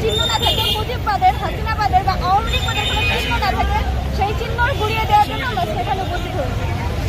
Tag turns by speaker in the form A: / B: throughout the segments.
A: চিহ্ন না থাকে, মুজিববাদের, হাসিনাবাদের বা আওয়ামী লীগবাদের কোনো চিহ্ন না থাকে, সেই চিহ্ন গুড়িয়ে দেওয়ার জন্য আমরা সেখানে উপস্থিত হয়েছি।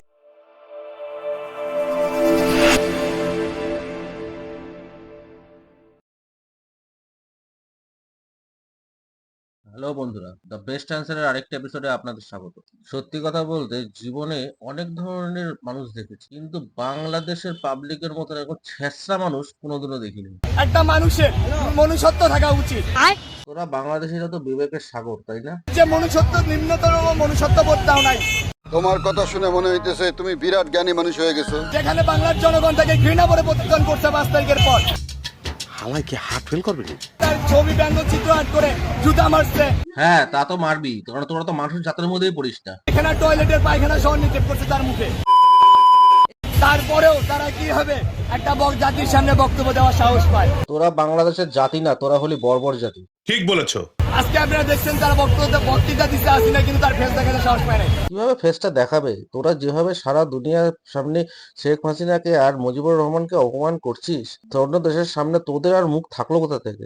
B: হ্যালো বন্ধুরা, দ্য বেস্ট অ্যান্সারের আরেকটা এপিসোডে আপনাদের স্বাগত। সত্যি কথা বলতে জীবনে অনেক ধরনের মানুষ দেখেছি, কিন্তু বাংলাদেশের পাবলিকের মতো এরকম ছেঁচড়া মানুষ কোনোদিনও দেখিনি।
C: একটা মানুষের মনুষ্যত্ব থাকা উচিত।
B: তোরা বাংলাদেশিরা তো বিবেকের সাগর, তাই না?
C: যে মনুষ্যত্ব নিম্নতর মনুষ্যত্ব বোধটাও নাই,
D: তোমার কথা শুনে মনে হইতেছে তুমি বিরাট জ্ঞানী মানুষ হয়ে গেছো।
C: যেখানে বাংলার জনগণ তাকে ঘৃণা করে প্রতিদান করছে 5 তারিখের পর।
E: আমায় কি হার্ট ফেল করবে?
C: তার ছবি ব্যঙ্গচিত্র আর্ট করে জুতা মারছে,
B: হ্যাঁ, তা তো মারবি, কারণ তোরা তো মানুষের জাতের মধ্যেই পড়িস না।
C: এখানে টয়লেটের পায়খানা সহ নিক্ষেপ করছে তার মুখে। তারপরেও তারা কি হবে একটা জাতির সামনে বক্তব্য দেওয়ার সাহস পায়।
B: তোরা বাংলাদেশের জাতি না, তোরা হলি বর্বর জাতি।
E: ঠিক বলেছো।
C: আজকে আপনারা দেখছেন তারা বক্তৃতা দিচ্ছে আসিনা, কিন্তু তার ফেস দেখাতে সাহস পায় না।
B: কিভাবে ফেসটা দেখাবে? তোরা যেভাবে সারা দুনিয়ার সামনে শেখ হাসিনাকে আর মুজিবুর রহমানকে অপমান করছিস, অন্য দেশের সামনে তোদের আর মুখ থাকলো কোথা থেকে?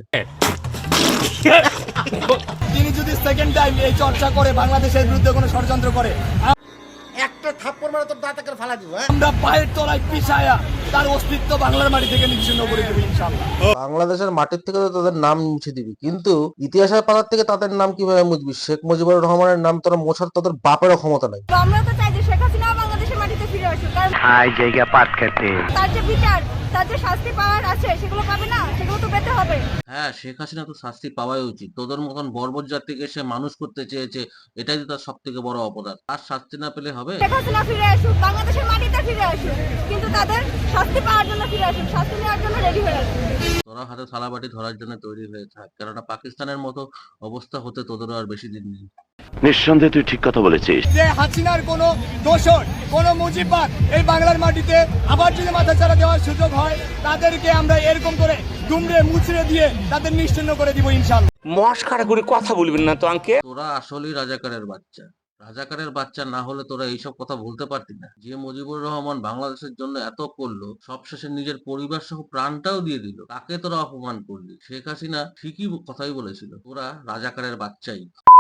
C: তিনি যদি সেকেন্ড টাইম এই চর্চা করে বাংলাদেশের বিরুদ্ধে কোনো ষড়যন্ত্র করে,
F: একটা থাপ্পড় মারা তোর দাঁতে করে ফালা দিব।
C: আমরা পায়ের তলায় পিছায়া তার অস্তিত্ব বাংলার মাটি থেকে নিচ্ছিন্ন করে দেবো ইনশাআল্লাহ।
B: বাংলাদেশের মাটির থেকে তো তাদের নাম মুছে দিবি, কিন্তু ইতিহাসের পাতার থেকে তাদের নাম কিভাবে মুছবি? শেখ মুজিবুর রহমানের নাম তোরা মোছার তোদের বাপেরও ক্ষমতা নাই।
A: তো আমরা তো চাই যে শেখ হাসিনা বাংলাদেশের মাটিতে ফিরে আসুক, কারণ
E: জায়গা পাট খেতে
A: তার যে বিচার, তার যে শাস্তি পাওয়ার আছে সেগুলো পাবে না, সেগুলো তো পেতে হবে।
B: হ্যাঁ, শেখ হাসিনা তো শাস্তি পাওয়াই উচিত। তোদের মতন বর্বর জাতিকে সে মানুষ করতে চেয়েছে, এটাই তো তার সব থেকে বড় অপরাধ। আর শাস্তি না পেলে হবে?
A: শেখ হাসিনা ফিরে আসুক, বাংলাদেশের মাটিতে ফিরে আসুক, কিন্তু তাদের শাস্তি পাওয়ার জন্য ফিরে আসুক, শাস্তি নেওয়ার জন্য রেডি হয়ে আসুক।
B: তোরা হাতে থালাবাটি ধরার জন্য তৈরি হয়ে থাক, কেননা পাকিস্তানের মতো অবস্থা হতে তোদেরও আর বেশি দিন নেই।
E: নিঃসন্দেহে তুই ঠিক কথা বলেছিস।
C: যে হাসিনার কোনো দোষর, কোনো মুজিববাদ এই বাংলার মাটিতে আবার যদি মাথাচাড়া দেওয়ার সুযোগ হয়, তাদেরকে আমরা এরকম করে দুমড়ে মুচড়ে দিয়ে তাদের নিশ্চিহ্ন করে দিব ইনশাআল্লাহ।
G: মস্কারা করে কথা বলবেন না তো আঙ্কেল।
B: তোরা আসলেই রাজাকারের বাচ্চা। রাজাকারের বাচ্চা না হলে তোরা এইসব কথা বলতে পারতি না। যে মুজিবুর রহমান বাংলাদেশের জন্য এত করলো, সবশেষে নিজের পরিবার সহ প্রাণটাও দিয়ে দিল, তাকে তোরা অপমান করলি। শেখ হাসিনা ঠিকই কথাই বলেছিল, তোরা রাজাকারের বাচ্চাই।